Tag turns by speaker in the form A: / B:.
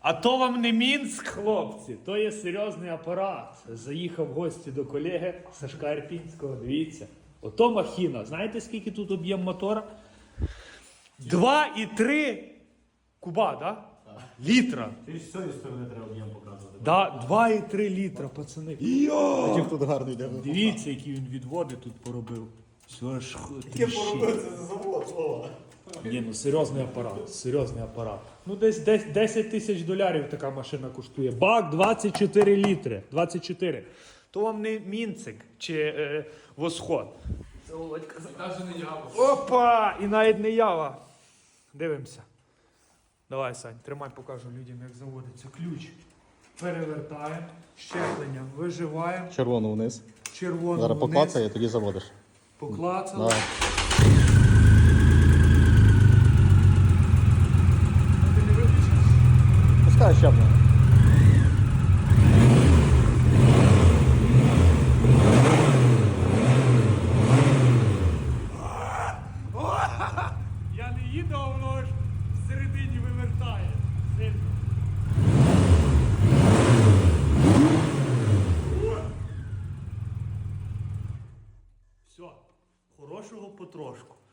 A: А то вам не Мінськ, хлопці, то є серйозний апарат. Заїхав в гості до колеги Сашка Ірпінського, дивіться. Ото махіна. Знаєте, скільки тут об'єм мотора? 2,3 куба, да? Літра.
B: Ти з цієї сторони треба об'єм показувати.
A: Да, 2,3 літра, пацани.
B: Яких тут гарно йде.
A: Дивіться, які він відводи тут поробив. Все ж
B: Яке поробив це за завод, Вова?
A: Ні, ну серйозний апарат, серйозний апарат. Ну десь 10 тисяч доларів така машина коштує. Бак 24 літри. 24. То вам не Мінцик чи Восход. Це Володька.
C: Навіть не ява.
A: Опа! І навіть не ява. Дивимося. Давай, Сань, тримай, покажу людям, як заводиться. Ключ. Перевертаємо. Щеплення виживаємо.
B: Червону вниз.
A: Червону
B: Зараз
A: вниз.
B: поклацає, тоді заводиш.
A: Поклацали.
B: Давай.
A: Ти не виключиш?
B: Пускай щеплення.
A: Я не їду, а воно ж всередині вивертає. Сильно. Все, хорошого потрошку.